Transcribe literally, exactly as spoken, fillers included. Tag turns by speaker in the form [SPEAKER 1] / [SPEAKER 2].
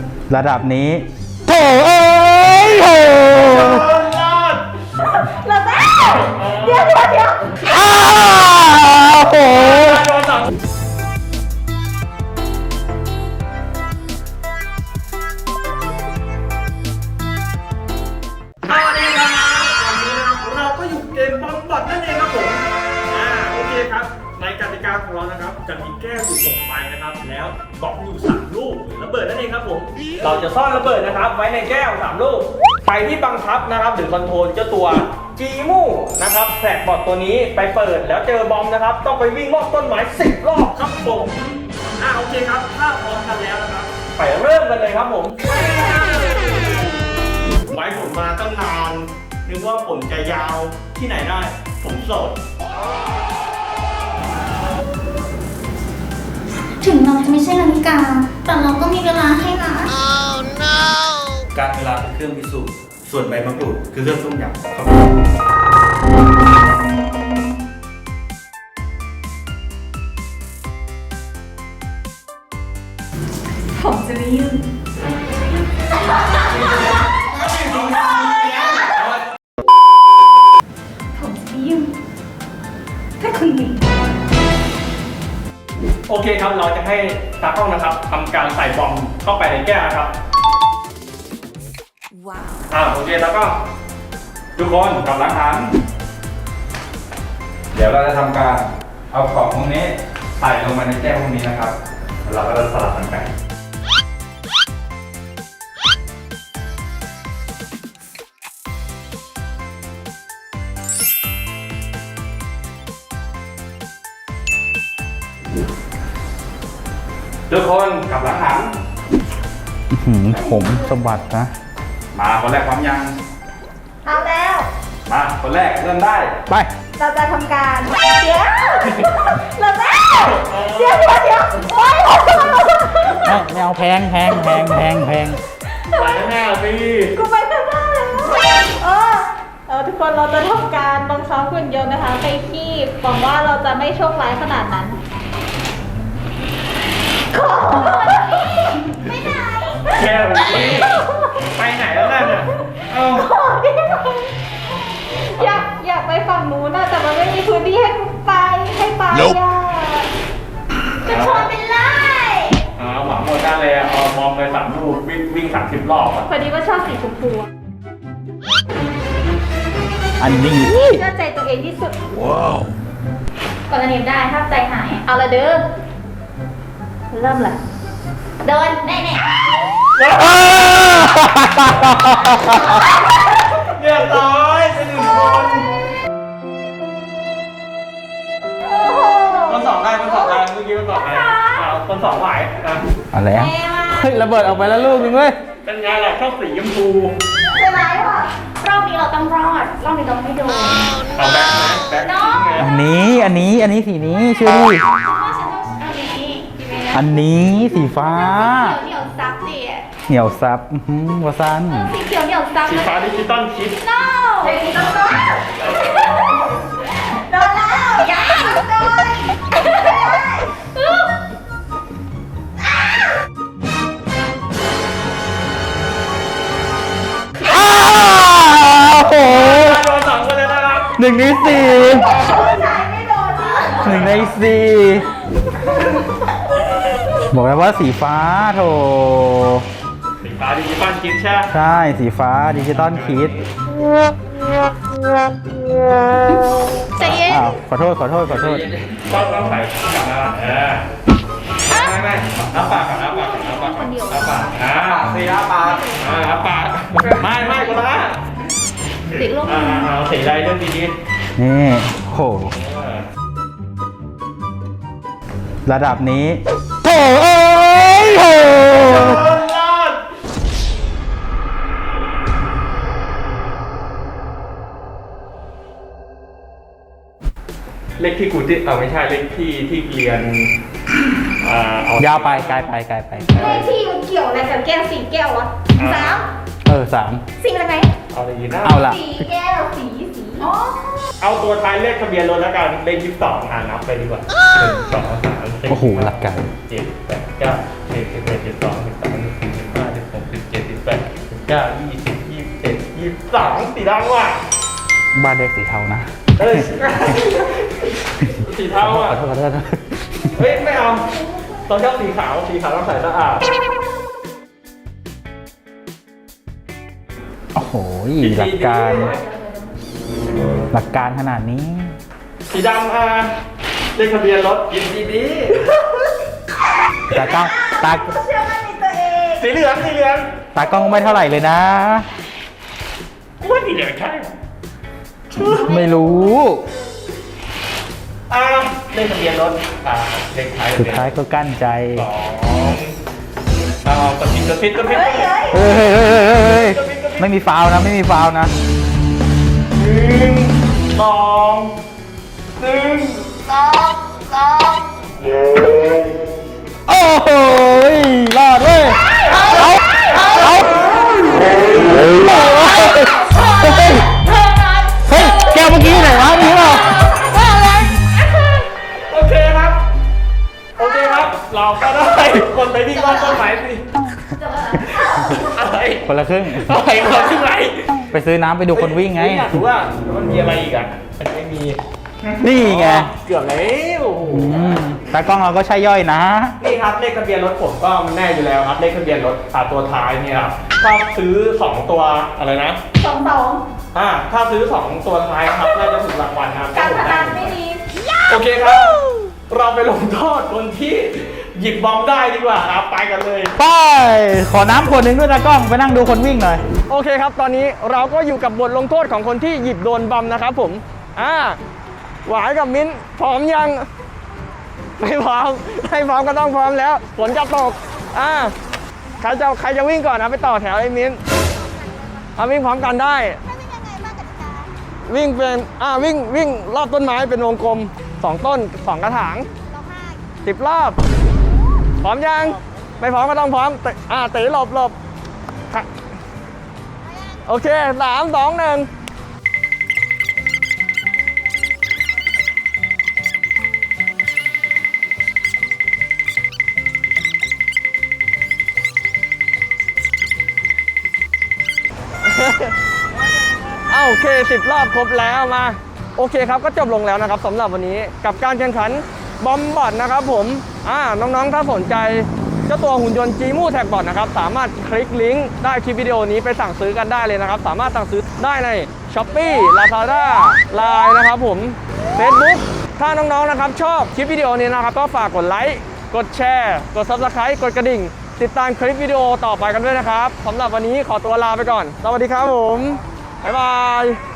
[SPEAKER 1] ระดับนี้โถ่เอ้ยโถ
[SPEAKER 2] เราได้เดี๋ยวเดี๋ยวเดี๋ยว
[SPEAKER 1] อ้าวโห
[SPEAKER 3] สวัสดีครับวันนี้นะครับเราก็อยู่เกมบอมบอทนั่นเองครับผมอ่าโอเคครับในกติกาของเรานะครับจะมีแก้วอยู่หกใบนะครับแล้วบล็อกอยู่สามลูกระเบิดนั่นเองครับผมเราจะซ่อนระเบิดนะครับไว้ในแก้วสามลูกใครที่บังคับนะครับหรือคอนโทรลเจ้าตัวจีมูนะครับแฟลกบอทตัวนี้ไปเปิดแล้วเจอบอมนะครับต้องไปวิ่งรอบต้นไม้สิบรอบครับผมอ่าโอเคครับถ้าพร้อมกันแล้วนะครับไปเริ่มกันเลยครับผมไว้ผมมาตั้งนานนึกว่าผมจะยาวที่ไหนได้ผมโสด
[SPEAKER 2] ถึงเราจะไม่ใช่นาฬิกาแต่เราก็มีเวลาให้นะ
[SPEAKER 4] Oh no
[SPEAKER 3] การเวลาเป็นเครื่องพิสูจน์ส่วนใบมะกรูดคือเครื่องต้มยำครับ
[SPEAKER 2] ผมจะไม่ยืนผมจะไม่ยืนถ้าคุณหนี
[SPEAKER 3] โอเคครับเราจะให้ตากล้องนะครับทำการใส่บอมเข้าไปในแก้วนะครับว้าวอ่าโอเคแล้วก็ทุกคนกำลังหันเดี๋ยวเราจะทำการเอาของพวกนี้ใส่ลงมาในแก้วพวกนี้นะครับเราก็จะสลับกันไปทุกคนกลับหลังหัน
[SPEAKER 1] ผมสะบัดนะ
[SPEAKER 3] มาคนแรกพร้อมยัง
[SPEAKER 2] เอาแล้ว
[SPEAKER 3] มาคนแรกเริ่มได้
[SPEAKER 1] ไป
[SPEAKER 2] เราจะทำการเดี๋ยวเราได้เดี๋ยวเดี๋ยวเดี๋ยวโอ๊ย
[SPEAKER 1] ไม่ไม่เอาแพงแพงแพงแพงแพง
[SPEAKER 3] ไปแน่สิ
[SPEAKER 2] กูไปข้างหน้าแล้วเออเออทุกคนเราจะทำการบังคับหุ่นยนต์นะคะไปที่หวังว่าเราจะไม่โชคร้ายขนาดนั้นไม่ไหน
[SPEAKER 3] แค่แบบนี้ไปไหนแล้วนั่นน่ะเอ้า
[SPEAKER 2] อยากอยากไปฝั่งนู้นนะแต่มันไม่มีพื้นที่ให้ไปให้ไปอ่ะจะชนเป็นไร
[SPEAKER 3] อ๋อหวังหมดได้เลยอ่ะเอามองไปสามลูกวิ่งวิ่งสามสิบรอบอ่ะ
[SPEAKER 2] พอดีว่าชอบสีชมพู
[SPEAKER 1] อันนี้
[SPEAKER 2] เชื่อใจตัวเองที่สุดว้าวกดอันนี้ได้ถ้าใจหายเอาละเด้อเริ่มเลยเดินแน่ๆ
[SPEAKER 3] เรียบร้อยเป็นหนึ่งคนคนสองได้คนสองได้เมื่อกี้คนสองได้อ่าคนสองไหวอ่ะ
[SPEAKER 1] อะไรอ่ะเฮ้ยระเบิดออกไปแล้วลูกนึงเว้ย
[SPEAKER 3] เป็นไงล่ะชอบสีชมพู
[SPEAKER 2] ใช่ไหมวะรอบนี้เราต้องรอดรอบนี้เราไม่โดน
[SPEAKER 3] เอาแบ็คไหมแบ็ค
[SPEAKER 2] น้อง
[SPEAKER 1] อันนี้อันนี้อันนี้สีนี้ชื่อดิ
[SPEAKER 2] ฉันต้องอันนี้
[SPEAKER 1] อันนี้สีฟ้า
[SPEAKER 2] เหนียวซับดิ
[SPEAKER 1] เหนียวซับอื้อหือวาซัน
[SPEAKER 2] สีเขียวเหนียวซับ
[SPEAKER 3] สีฟ้าดิจิตอลคิด
[SPEAKER 2] no เฮ้ยต้องโดนโดนแล้วอย่าโดน
[SPEAKER 1] อ้าวโห
[SPEAKER 3] โดนสองคนเลยนะครับ
[SPEAKER 1] หนึ่งในสี่
[SPEAKER 2] ไม่โดน
[SPEAKER 1] หนึ่งในสี่บอกแล้วว่าสีฟ้าโถ
[SPEAKER 3] สีฟ้าดิจิตอลคิดใช่ไหม
[SPEAKER 1] ใช่สีฟ้าดิจิตอลคิด
[SPEAKER 2] ใจเย็น
[SPEAKER 1] อ้าวขอโทษขอโทษขอโทษ
[SPEAKER 3] ต้องต้องใส่กลับมาเออไม่ไม่น้ำปากกับน้ำปากกับน้ำปากกับน้ำปากอ่าสีน้ำปากอ่าน้ำปากไม่ไม่คนละ
[SPEAKER 2] สีลูก
[SPEAKER 3] อ่าเอาสีอะไรเรื่องดี
[SPEAKER 1] นี่โห
[SPEAKER 3] ๆ
[SPEAKER 1] ระดับนี้โถเอ้ยโห
[SPEAKER 3] เลขที่กูที่เอาไม่ใช่เลขที่ที่เรียนอ่าย
[SPEAKER 1] าวไปไกลไปไกลไป
[SPEAKER 2] เลขที่มันเกี่ยวอะไรกับแก้วสีแก้ววะสาม
[SPEAKER 1] เออสาม
[SPEAKER 2] สีอะไรไหม
[SPEAKER 3] เอาอะไรดีนะ
[SPEAKER 1] เอาละ
[SPEAKER 2] สีแก้วสีสีอ๋อ
[SPEAKER 3] เอาตัวท้ายเลขทะเบียนรถแล้วกันเลขยี่สิบสองอ่านับไปดีกว่าหนึ่งสองสามสี่
[SPEAKER 1] โอ้โหหลักการ
[SPEAKER 3] เจ็ดแปดเก้าสิบสิบเอ็ดสิบสองสิบสามสิบสี่สิบห้าสิบเก้ายี่สิบยี่สิบเอ็ดยี่สิบสองสีดำว่ะ
[SPEAKER 1] บ้านเด็กสีเทานะ
[SPEAKER 3] เอ้ยสีเทาอ่ะ
[SPEAKER 1] ขอโทษขอโทษนะ
[SPEAKER 3] เฮ้ยไม่เอาเราชอบสีขาวสีขาวต้องใส่สะอาด
[SPEAKER 1] โอ้โหหลักการ หลักการขนาดนี้
[SPEAKER 3] สีดำอ่ะเลขทะเบียนรถยินดีดี
[SPEAKER 1] ตากล้องตา
[SPEAKER 2] เชื่อมั่นในตัวเอง
[SPEAKER 3] สีเหลืองสีเหลือง
[SPEAKER 1] ตากล้องไม่เท่าไหร่เลยนะ
[SPEAKER 3] กูว่าสีเหลืองใช่
[SPEAKER 1] ไม่รู้
[SPEAKER 3] อ่าเลขทะเบียนรถอ่าเลขท้าย
[SPEAKER 1] สุดท้ายก็กั้นใจ
[SPEAKER 3] สองเอากระพริบกระพริบกระพริบ
[SPEAKER 2] เฮ้ยเฮ้ย
[SPEAKER 1] เฮ้ยเฮ้ยเฮ้ยเฮ้ยเฮ้ยไม่มีฟาวล์นะ ไม่มีฟาวล์นะ
[SPEAKER 3] หนึ่งสองหนึ่ง
[SPEAKER 2] สองสอง
[SPEAKER 1] โอ้โหรอดเว้ย เอาเอาเอาเฮ้ย
[SPEAKER 2] เธอนั้น
[SPEAKER 1] เฮ้ย แก้วเมื่อกี้ไหนวะมีเปล่า
[SPEAKER 2] เธอนั้น
[SPEAKER 3] โอเคครับ โอเคครับ เราก็ได้คนไปวิ่งรอบต้นไม้สิ
[SPEAKER 2] จบแล้ว
[SPEAKER 3] อะไร
[SPEAKER 1] คนละครึ่ง
[SPEAKER 3] อะไรคนที่ไหน
[SPEAKER 1] ไปซื้อน้ำไปดูคนวิ่งไง
[SPEAKER 3] อยากรู้ว่ามันมีอะไรอีกอ่ะมันไม่มี
[SPEAKER 1] นี่ไง
[SPEAKER 3] เกือบแล้ว
[SPEAKER 1] อืมตากล้องเราก็ใช่ย่อยนะ
[SPEAKER 3] นี่ครับเลขทะเบียนรถผมก็มันแน่อยู่แล้วครับเลขทะเบียนรถอ่าตัวท้ายเนี่ยครับถ้าซื้อสองตัวอะไรนะ
[SPEAKER 2] สองสอง
[SPEAKER 3] อ่าถ้าซื้อสองตัวท้ายครับน่าจะถูกรางวัลครับ
[SPEAKER 2] การพนันไม่ดี
[SPEAKER 3] โอเคครับ เราไปลงโทษคนที่หยิบบอมได้ดีกว่าครับไปกันเลย
[SPEAKER 1] ไป ขอน้ำขวดหนึ่งด้วยตากล้องไปนั่งดูคนวิ่งหน่อย
[SPEAKER 3] โอเคครับตอนนี้เราก็อยู่กับบทลงโทษของคนที่หยิบโดนบอมนะครับผมอ่าหวายกับมิ้นพร้อมยังไม่พร้อมไม่พร้อมก็ต้องพร้อมแล้วฝนจะตกอ่าใครจะใครจะวิ่งก่อนนะไปต่อแถวไอ้มิ้นเอาวิ่งพร้อมกันได้วิ่งเป็นอ่าวิ่งวิ่งรอบต้นไม้เป็นวงกลมสองต้นสองกระถางสิบรอบพร้อมยังไม่พร้อมก็ต้องพร้อมเตะอ่าเตะหลบหลบค่ะโอเคสามสองหนึ่งอ้าวโอเคสิบรอบครบแล้วมาโอเคครับก็จบลงแล้วนะครับสำหรับวันนี้กับการแข่งขันบอมบอทนะครับผมอ่าน้องๆถ้าสนใจเจ้าตัวหุ่นยนต์ Jimu Tag Bot นะครับสามารถคลิกลิงก์ได้คลิปวิดีโอนี้ไปสั่งซื้อกันได้เลยนะครับสามารถสั่งซื้อได้ใน Shopee Lazada ไลน์ นะครับผม Facebook ถ้าน้องๆนะครับชอบคลิปวิดีโอนี้นะครับก็ฝากกดไลค์กดแชร์กด Subscribe กดกระดิ่งติดตามคลิปวิดีโอต่อไปกันด้วยนะครับสำหรับวันนี้ขอตัวลาไปก่อนสวัสดีครับผมบ๊ายบาย